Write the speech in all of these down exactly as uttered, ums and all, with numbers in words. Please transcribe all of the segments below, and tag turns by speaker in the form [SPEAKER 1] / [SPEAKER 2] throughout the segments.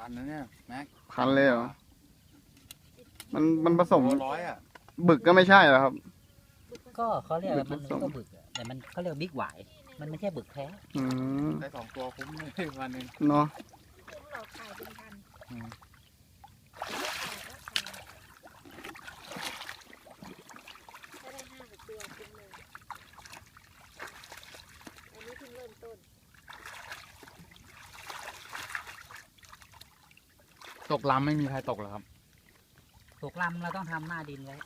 [SPEAKER 1] นนะเนี่ยแม็ก
[SPEAKER 2] พันเลยเหรอมันมันผสม
[SPEAKER 1] ร้อยอ่ะ
[SPEAKER 2] บึกก็ไม่ใช่เหรอครับ
[SPEAKER 3] ก็เขาเรียกว่ามัน
[SPEAKER 2] บึกผสม
[SPEAKER 3] ก็บึกอะแต่มันเขาเรียกบิ๊กหวายมันไม่ใช่บึกแท้
[SPEAKER 2] อืม
[SPEAKER 1] ได้สองตัวคุ้มเลยวันหนึ่ง
[SPEAKER 2] เนาะ
[SPEAKER 4] คุ้มหลอกขายเป็นพัน
[SPEAKER 1] อืม
[SPEAKER 4] ขายก็ขายถ้าได้ห้าหกตัวคุ้มเลยอันนี้เพิ่งเริ่มต้น
[SPEAKER 1] ตกลำไม่มีใครตกหรอครับ
[SPEAKER 3] ตกลำเราต้องทำหน้าดินไว้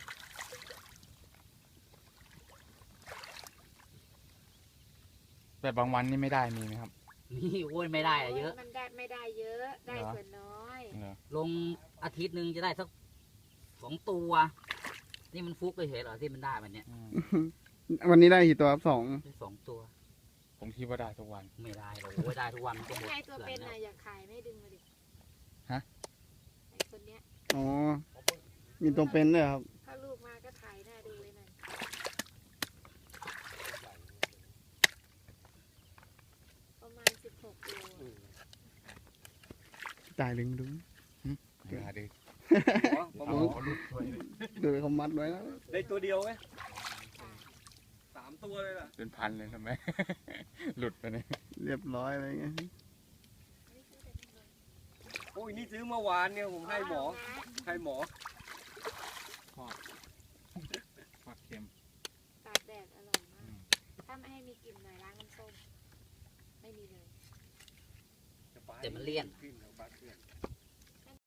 [SPEAKER 1] แต่บางวันนี่ไม่ได้มีไหมครับ
[SPEAKER 3] นี่โอ้ยไม่ได้อะเยอะ
[SPEAKER 4] มันได้ไม่ได้เยอะ ได้ส่วนน้อย
[SPEAKER 1] เหรอ
[SPEAKER 3] ลงอาทิตย์หนึ่งจะได้สักสองตัว นี่มันฟุกเฉยๆเหรอที่มันได้มันเนี้ย
[SPEAKER 1] อืม
[SPEAKER 2] วันนี้ได้กี่ตัวครับสอง
[SPEAKER 3] ได้สองตัว
[SPEAKER 1] ผมคิดว่าได้ทุกวัน
[SPEAKER 3] ไม่ได้หรอกโอ้ยได้ทุกวันมันก็หมด
[SPEAKER 4] ใครตัว
[SPEAKER 3] เกลื
[SPEAKER 4] เป็
[SPEAKER 3] อน น
[SPEAKER 4] น่ะ
[SPEAKER 3] แล้ว
[SPEAKER 4] อยากขายไม่ดึงมาดิ
[SPEAKER 1] ฮะ
[SPEAKER 4] ไอคนเนี้ย
[SPEAKER 2] อ๋อมีตัวเป็นด้วยครับ
[SPEAKER 4] ถ้าลูกมาก็ถ่ายหน้าดูเลยนั่นประมาณสิบหกตัว
[SPEAKER 2] จ่ายดึงดู
[SPEAKER 1] เดี๋ยวดิ
[SPEAKER 2] โอ้โหดูเขามัดไว้แล้ว
[SPEAKER 5] ได้ตัวเดียวไหมสามตัวเลยล่ะ
[SPEAKER 1] เป็นพันเลยทำไม หลุดไปเนี่ย
[SPEAKER 2] เรียบร้อยอะไรเงี้ย
[SPEAKER 5] โอ้ยนี่ซื้อเมื่อวานเนี่ยผมให้หมอให้หมอ
[SPEAKER 1] ผักเค็ม
[SPEAKER 4] ตากแดดอร่อยมาก ถ้าไม่ให้มีกลิ่นหน่อยล้างน้ำส้ม ไม่มีเลย
[SPEAKER 3] แต่มันเลี่ยน
[SPEAKER 5] ขึ้นเอาปลาเกลือน